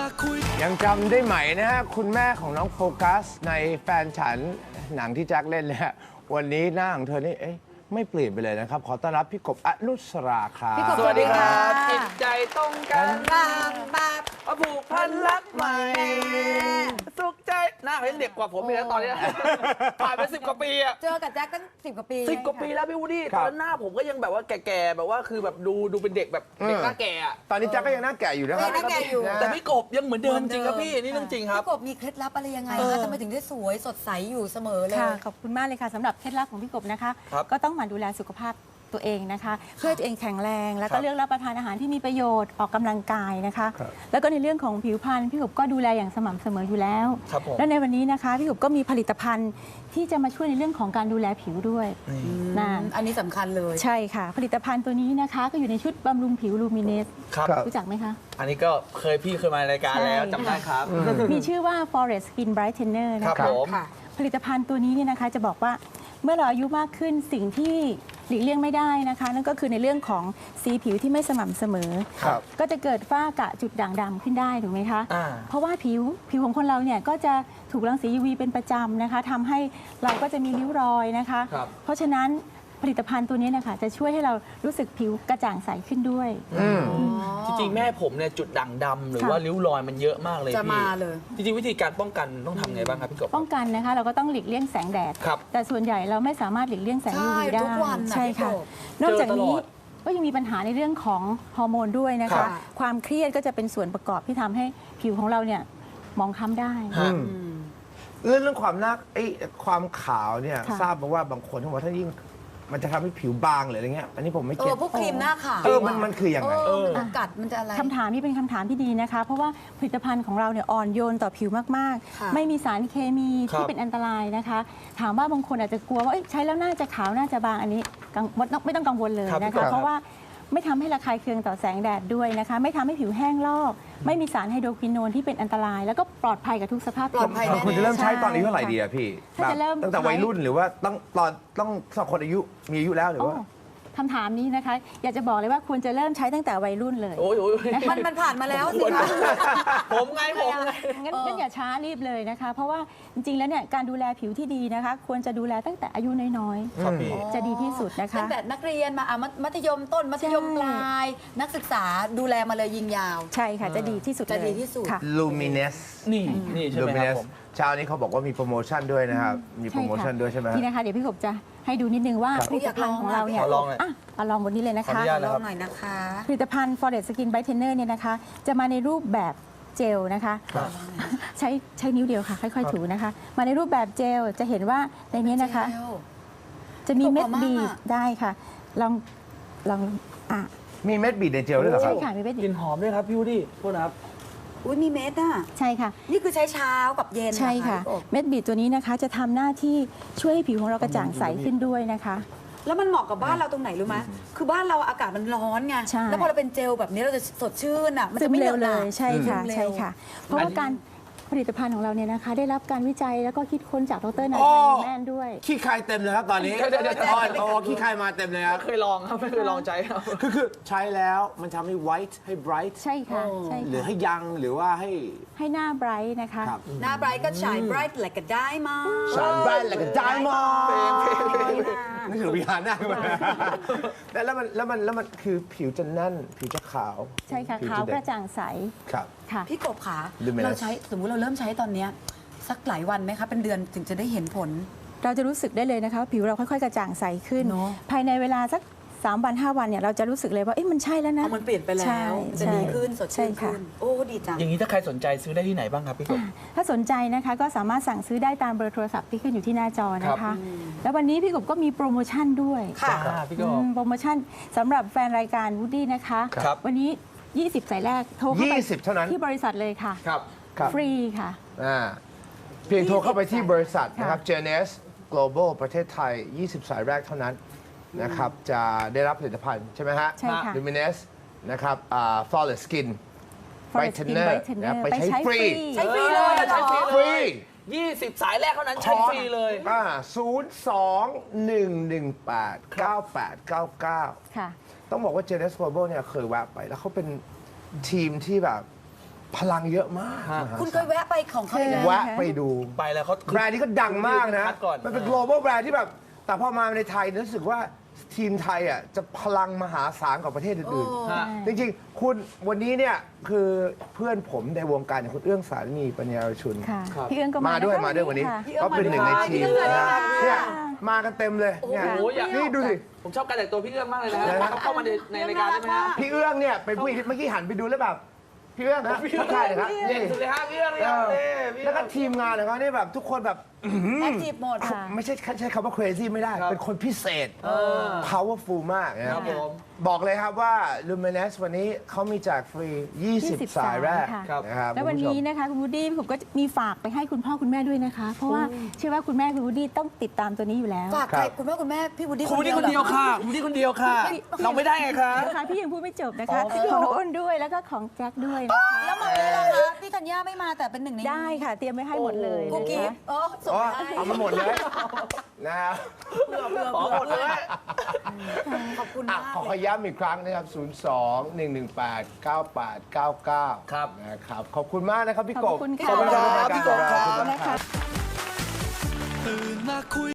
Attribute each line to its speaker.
Speaker 1: คุย
Speaker 2: ยังจำได้ไหมนะฮะคุณแม่ของน้องโฟกัสในแฟนฉันหนังที่แจ็คเล่นเลยฮะวันนี้หน้าของเธอนี่ไม่เปลี่ยนไปเลยนะครับ ขอต้อนรับพี่กบอนุสราครับ
Speaker 3: พี่กบ
Speaker 4: สวัสดีครับจิตใจตรงกัน
Speaker 3: บางบาบ
Speaker 4: ผูกพันรักใหม่ สุขใจหน้าเขายังเด็กกว่าผมอีกแล้วตอนนี้ผ่านไป10 กว่าปีอะ
Speaker 3: เจอกับแจ็คตั้ง10 กว่าปี
Speaker 4: 10 กว่าปีแล้วพี่วูดดี้ตอนนั้นหน้าผมก็ยังแบบว่าแก่ๆแบบว่าคือแบบดูเป็นเด็กแบบเด็กหน้าแก่อะ
Speaker 2: ตอนนี้แจ็คก็ยังหน้าแก่อยู่นะครับ
Speaker 3: หน้าแก่อยู่
Speaker 4: แต่พี่กบยังเหมือนเดิมจริงครับพี่นี่เรื่องจริงครับ
Speaker 3: พี่กบมีเคล็ดลับอะไรยังไงคะทำไมถึงได้สวยสดใสอยู่เสมอเลย
Speaker 5: ค่ะขอบคุณมากเลยค่ะสำหรับเคล็ดลับของพี่กบนะคะ
Speaker 4: ครับ
Speaker 5: ก็ต้องหมั่นดูแลสุขภาพตัวเองนะคะ เพื่อให้ตัวเองแข็งแรง แล้ว
Speaker 4: ครั
Speaker 5: ก็
Speaker 4: บ
Speaker 5: เลือกรับประทานอาหารที่มีประโยชน์ออกกำลังกายนะคะ
Speaker 2: ครับ
Speaker 5: แล้วก็ในเรื่องของผิวพรรณพี่กบก็ดูแลอย่างสม่ำเสมออยู่แล้ว
Speaker 4: ครับผม
Speaker 5: และในวันนี้นะคะพี่กบก็มีผลิตภัณฑ์ที่จะมาช่วยในเรื่องของการดูแลผิวด้วยนะ
Speaker 3: อันนี้สำคัญเลย
Speaker 5: ใช่ค่ะ ผลิตภัณฑ์ตัวนี้นะคะ ก็อยู่ในชุดบำรุงผิวลูมิเนส
Speaker 4: ครับ
Speaker 2: ครับ
Speaker 5: รู้จักไหมคะ
Speaker 4: อันนี้ก็พี่เคยมารายการแล้ว
Speaker 5: ใช่
Speaker 4: จำได้ครับ
Speaker 5: มีชื่อว่า Forest Skin Brightener
Speaker 4: ครั
Speaker 5: นะ
Speaker 4: บ
Speaker 5: คะ
Speaker 4: ผม
Speaker 3: ค่ะ
Speaker 5: ผลิตภัณฑ์ตัวนี้เนี่ยนะคะจะบอกว่าเมื่อเราอายุมากขึ้นสิ่งที่หลีกเลี่ยงไม่ได้นะคะ นั่นก็คือในเรื่องของสีผิวที่ไม่สม่ำเสมอ
Speaker 2: ครับ
Speaker 5: ก็จะเกิดฝ้ากระจุดด่างดำขึ้นได้ถูกไหมคะ
Speaker 4: อ่า
Speaker 5: เพราะว่าผิวของคนเราเนี่ยก็จะถูกรังสี UV เป็นประจำนะคะทำให้เราก็จะมีริ้วรอยนะคะ
Speaker 4: ครับ
Speaker 5: เพราะฉะนั้นผลิตภัณฑ์ตัวนี้นะคะจะช่วยให้เรารู้สึกผิวกระจ่างใสขึ้นด้วย
Speaker 4: จริงๆแม่ผมเนี่ยจุดด่างดำหรือว่าริ้วรอยมันเยอะมากเลย
Speaker 3: จะ
Speaker 4: พี่
Speaker 3: มาเลย
Speaker 4: จริงๆวิธีการป้องกันต้องทำไงบ้างครับพี่กบ
Speaker 5: ป้องกันนะคะเราก็ต้องหลีกเลี่ยงแสงแดด
Speaker 4: ครับ
Speaker 5: แต่ส่วนใหญ่เราไม่สามารถหลีกเลี่ยงแสง
Speaker 3: ใช่
Speaker 5: UV ได้
Speaker 3: ทุกวันน่ะ
Speaker 5: ใช่ค่ะ
Speaker 3: พี่กบ
Speaker 5: นอกจากนี้
Speaker 4: เจอตลอด
Speaker 5: ก็ยังมีปัญหาในเรื่องของฮอร์โมนด้วยนะ
Speaker 4: ครั
Speaker 5: คะ
Speaker 4: บ
Speaker 5: ความเครียดก็จะเป็นส่วนประกอบที่ทำให้ผิวของเราเนี่ยมองคล้ำได้
Speaker 4: ฮะ
Speaker 2: เรื่องความหน้าความขาวเนี่ย
Speaker 5: ค่ะ
Speaker 2: ทราบมาว่าบางคนเขาบอกว่าถ้ายิ่งมันจะทำให้ผิวบางหรืออะไรเงี้ยอันนี้ผมไม่
Speaker 3: เอ
Speaker 2: เก็
Speaker 3: อ
Speaker 2: ต
Speaker 3: พวกครีมหน้าขาว
Speaker 2: มันคือยังไง
Speaker 3: มันจะกัดมันจะอะไร
Speaker 5: คำถามนี้เป็นคำถามที่ดีนะคะ เพราะว่าผลิตภัณฑ์ของเราเนี่ยอ่อนโยนต่อผิวมาก
Speaker 3: ค่ะ
Speaker 5: ๆ ไม่มีสารเคมี
Speaker 4: ครับ
Speaker 5: ที่เป็นอันตรายนะคะ ถามว่าบางคนอาจจะกลัวว่าเอ้ยใช้แล้วน่าจะขาวน่าจะบางอันนี้ไม่ต้องกังวลเลย
Speaker 4: ครับ
Speaker 5: นะ
Speaker 4: ครั
Speaker 5: คะ
Speaker 4: บ
Speaker 5: เพราะว่าไม่ทำให้ระคายเคืองต่อแสงแดดด้วยนะคะ ไม่ทำให้ผิวแห้งลอก ไม่มีสารไฮโดรควินโนนที่เป็นอันตราย แล้วก็ปลอดภัยกับทุกสภาพ
Speaker 3: ปลอดภัย
Speaker 5: ผิว
Speaker 2: คุณจะเริ่มใช้ตอนอายุเท่าไหร่ดีอะพี่
Speaker 5: ถ้าจะเริ่ม
Speaker 2: ตั้งแต่วัยรุ่นหรือว่าต้องสองคนมีอายุแล้วหรือว่า
Speaker 5: โอ้คำถามนี้นะคะ อยากจะบอกเลยว่าควรจะเริ่มใช้ตั้งแต่วัยรุ่นเลย
Speaker 4: โอ้ย
Speaker 3: มันผ่านมาแล้วสิคะ
Speaker 4: ผมไง
Speaker 5: งั้นอย่าช้ารีบเลยนะคะ เพราะว่าจริงๆแล้วเนี่ยการดูแลผิวที่ดีนะคะ ควรจะดูแลตั้งแต่อายุน้อย
Speaker 4: ครับพี่
Speaker 5: ๆ จะดีที่สุดนะคะ
Speaker 3: ตั้งแต่นักเรียนมามัธยมต้นมัธยมปลาย นักศึกษาดูแลมาเลยยิงยาว
Speaker 5: ใช่ค่ะจะดีที่สุด
Speaker 3: จะ
Speaker 5: เลย
Speaker 3: ดีที่สุด
Speaker 5: ค่ะ
Speaker 2: Luminous
Speaker 4: นี่ใช่ไหมครับผม
Speaker 2: เช้านี้เขาบอกว่ามีโปรโมชั่นด้วยนะครับ มีโปรโมชั่นด้วยใช่ไหมฮะ
Speaker 5: นี่นะคะเดี๋ยวพี่กบจะให้ดูนิดนึงว่า
Speaker 2: ครับ
Speaker 5: ผลิตภัณฑ์ของเราเนี่ย
Speaker 4: ขอลองหน่อย
Speaker 5: อ่ะเอาลองบนนี้เลยนะ
Speaker 4: ขออ
Speaker 5: คะ
Speaker 4: นุญาต
Speaker 3: ลองหน่อยนะคะ
Speaker 5: ผลิตภัณฑ์ Forest Skin Brightener เนี่ยนะคะ จะมาในรูปแบบเจลนะคะ
Speaker 4: ครับ
Speaker 5: ใช้นิ้วเดียวค่ะ ค่อยๆถูนะคะ มาในรูปแบบเจลจะเห็นว่าในนี้นะคะ จะมีเม็ดบีบได้ค่ะ ลองอ่ะ
Speaker 2: มีเม็ดบีดในเจลด้วยเหรอค
Speaker 5: ใช่
Speaker 2: รับ
Speaker 5: ค่ะมีเม็ด
Speaker 4: ก
Speaker 5: บี
Speaker 4: ลิ่
Speaker 5: บ
Speaker 4: นหอมด้วยครับพี่วูดดี้โทษนะครับ
Speaker 3: อุ้ยมีเม็ดอ่ะ
Speaker 5: ใช่ค่ะ
Speaker 3: นี่คือใช้เช้ากับเย็น
Speaker 5: ใช่ค่ะ
Speaker 3: เหรอ
Speaker 5: เม็ดบีดตัวนี้นะคะจะทำหน้าที่ช่วยให้ผิวของเรากระจ่างใสขึ้นด้วยนะคะ
Speaker 3: แล้วมันเหมาะกับบ้านเราตรงไหนรู้ไหมคือบ้านเราอากาศมันร้อนไง
Speaker 5: ใช่
Speaker 3: แล้วพอเราเป็นเจลแบบนี้เราจะสดชื่นอ่ะ มัน
Speaker 5: ซึ
Speaker 3: จะ
Speaker 5: ม
Speaker 3: ไม่เห
Speaker 5: เร็
Speaker 3: น
Speaker 5: ว
Speaker 3: อะห
Speaker 5: เล
Speaker 3: นะ
Speaker 5: ยใช่ค่ะ
Speaker 3: ซึมเร็ว
Speaker 5: ใช่ค่ะ เพราะว่าการผลิตภัณฑ์ของเราเนี่ยนะคะ ได้รับการวิจัยแล้วก็คิดค้นจากดรนา
Speaker 2: โอ้
Speaker 5: ยแมนด้วย
Speaker 2: ขี้คายเต็มเลยครับตอนนี้
Speaker 4: เดี๋ยว
Speaker 2: โอ้ขี้คายมาเต็มเลยครับ
Speaker 4: ไม่เคยลองครับไม่เคยลองใจครับ
Speaker 2: คือใช้แล้วมันทำให้ white ให้ bright
Speaker 5: ใช่ค่ะใช่
Speaker 2: หรือ
Speaker 5: ค่ะ
Speaker 2: ให้ยังหรือว่าให้
Speaker 5: ให้หน้าไบรท์นะคะ
Speaker 2: ครับ
Speaker 3: หน้าไบรท์ก็ฉายไบรท์แหละก็ได้มา
Speaker 2: shine bright like a diamond
Speaker 4: เพลง
Speaker 2: นี่คือวิหารหน้าขึ้นมาแล้วมันคือผิวจะแน่นผิวจะขาว
Speaker 5: ใช่ค่ะ
Speaker 2: ผิ
Speaker 5: ขาว
Speaker 2: จ
Speaker 5: กระจ่างใส
Speaker 2: ครับ
Speaker 5: ค่ะ
Speaker 3: พี่กบขา
Speaker 2: Luminous
Speaker 3: เราใช้สมมุติเราเริ่มใช้ตอนเนี้ยสักหลายวันไหมคะ เป็นเดือนถึงจะได้เห็นผล
Speaker 5: เราจะรู้สึกได้เลยนะคะว่าผิวเราค่อยๆ กระจ่างใสขึ้น
Speaker 3: เนอะ
Speaker 5: ภายในเวลาสัก3 วัน 5 วันเนี่ยเราจะรู้สึกเลยว่าเอ๊ะมันใช่แล้วนะ
Speaker 3: เอามันเปลี่ยนไปแล้
Speaker 5: ใช่
Speaker 3: วจะดีขึ้นสด
Speaker 5: ใช่
Speaker 3: ชื่น
Speaker 5: ค่ะ
Speaker 3: ขึ้น โอ้ดีจัง
Speaker 4: อย่างนี้ถ้าใครสนใจซื้อได้ที่ไหนบ้างครับพี่กบ
Speaker 5: ถ้าสนใจนะคะก็สามารถสั่งซื้อได้ตามเบอร์โทรศัพท์ที่ขึ้นอยู่ที่หน้าจอนะ
Speaker 4: ครั
Speaker 5: คะ
Speaker 4: บ
Speaker 5: แล้ววันนี้พี่กบก็มีโปรโมชั่นด้วย
Speaker 3: ค่ะ
Speaker 4: พี่กบ
Speaker 5: โปรโมชั่นสำหรับแฟนรายการวูดดี้นะคะ
Speaker 4: ครับ
Speaker 5: วันนี้ 20 สายแรกโทรเข้าไป
Speaker 2: 20 เท่านั้น
Speaker 5: ที่บริษัทเลยค่ะ
Speaker 4: ครับ
Speaker 2: ครับ
Speaker 5: ฟรีค่ะ
Speaker 2: เพียงโทรเข้าไปที่บริษัท
Speaker 5: ค่ะ
Speaker 2: นะครับ JNS Global ประเทศไทย 20 สายแรกเท่านั้นนะครับ จะได้รับผลิตภัณฑ์ใช่ไหมฮะ
Speaker 5: ใช่ค่ะ
Speaker 2: Luminous นะครับFlawless Skin
Speaker 5: Forest Skin
Speaker 2: Brightener
Speaker 5: Brightener
Speaker 2: นะไปใช้
Speaker 5: ไปใช้
Speaker 2: ฟรี
Speaker 3: ใช้ฟรีเลยเหรอ
Speaker 4: ใช้ฟรี
Speaker 2: ฟรี
Speaker 4: 20 สายแรกเท่านั้นใช้ฟรีเลย
Speaker 2: 02-118-9899
Speaker 5: ค่ะ
Speaker 2: ต้องบอกว่า JNS Global เนี่ยเคยแวะไป แล้วเขาเป็นทีมที่แบบพลังเยอะมาก
Speaker 4: ฮะ
Speaker 2: มหา
Speaker 3: คุณเค
Speaker 2: ศาล
Speaker 3: ยแวะไปของเขาอีกแล้ว
Speaker 2: แวะไปดู
Speaker 4: ไปแล้วเขา
Speaker 2: แบรนด์นี้ก็ดังมากนะ
Speaker 4: คัดก่อน
Speaker 2: มันเป็น global แบรนด์ที่แบบ แต่พอมาในไทยรู้สึกว่าทีมไทยอ่ะจะพลังมหาศาลกว่าประเทศอื่น
Speaker 4: ฮะ
Speaker 2: ๆ จริงๆ คุณวันนี้เนี่ยคือเพื่อนผมในวงการอย่างคุณเอื้องสาลีปัญญารชุน
Speaker 5: ค่ะ
Speaker 4: ครับ
Speaker 5: พี่เอื้องก็
Speaker 2: มาด้วย
Speaker 5: ะคะ
Speaker 2: มาด้วยวันนี้
Speaker 5: ค่ะ
Speaker 2: เขาเป็นหนึ่งในทีม
Speaker 3: พี่เอื้อง
Speaker 2: นะ
Speaker 3: สวัสดีค่ะ
Speaker 2: เนี่ยมากันเต็มเลยเนี่ย
Speaker 4: โอ้โหอยาก
Speaker 2: นี่ดูสิ
Speaker 4: ผมชอบการแต่งตัวพี่เอื้องมากเลยนะฮะ
Speaker 2: นะฮะ
Speaker 4: เข้ามาในรายการได้ไหมฮะ
Speaker 2: พี่เอื้องเนี่ยเป็นผู้หญิงที่เมื่อกี้หันไปดูแล้วแบบพี่เอื้องครับทักทายเลยครับ
Speaker 4: เด่นสุดเลยฮะพี่เอื้องเลยครับนี่พี่เอื้อง
Speaker 2: แล้วก็ทีมงานของเขาเนี่ยแบบทุกคนแบบ
Speaker 3: แอคทีฟหมด
Speaker 5: ค่ะ
Speaker 2: ไม่ใช่ใช้คำว่า crazy ไม่ได้
Speaker 4: ครับ
Speaker 2: เป็นคนพิเศษ powerful มากนะค
Speaker 4: ครั
Speaker 2: รั
Speaker 4: บบ ผม
Speaker 2: บอกเลยครับว่า Luminous วันนี้เขามีแจกฟรี 20 สายแรก
Speaker 5: ค่ะ
Speaker 2: นะครับ
Speaker 5: แล้ววัน
Speaker 2: คุณผู้ช
Speaker 5: นี้
Speaker 2: ม
Speaker 5: นะคะคุณวูดดี้ผมก็มีฝากไปให้คุณพ่อคุณแม่ด้วยนะคะ เพราะว่าเชื่อว่าคุณแม่คุณวูดดี้ต้องติดตามตัวนี้อยู่แล้ว
Speaker 3: ฝากใครคุณแม่พี่วูดดี้
Speaker 4: คุณนี่คนเดียว
Speaker 3: หรอ
Speaker 4: ค่ะคุณนี่คนเดียวค่ะ เราไม่ได้ไงคะ
Speaker 5: นะคะพี่ยังพูดไม่จบนะคะของอ้นด้วยแล้วก็ของแจ็คด้วยนะคะ
Speaker 3: แล้วมามีล่ะคะพี่ธัญญาไม่มาแต่เป็นหนึ่งใน
Speaker 5: ได้ค่ะเตรียมไว้ให้หมดเลย
Speaker 3: กุ๊ก
Speaker 5: นะ
Speaker 3: กิ๊
Speaker 5: คะ
Speaker 3: บอ๋อส่ง
Speaker 2: อ๋อ
Speaker 3: ไปให้
Speaker 2: เอามาหมดเลยนะครับ
Speaker 4: ขอหมดเลย
Speaker 3: ขอบคุณ
Speaker 2: อ่ะ
Speaker 3: มาก
Speaker 2: ขอย้ำอีกครั้งนะครับ 02-118-9899
Speaker 4: ครับ
Speaker 2: นะครับขอบคุณมากนะครับพี่กบ
Speaker 5: ขอบคุณค่ะ
Speaker 2: ขอบคุณครับ
Speaker 4: พี่กบครับ
Speaker 2: ขอบคุณครับ
Speaker 5: นะคะ
Speaker 1: ตื่นมาคุย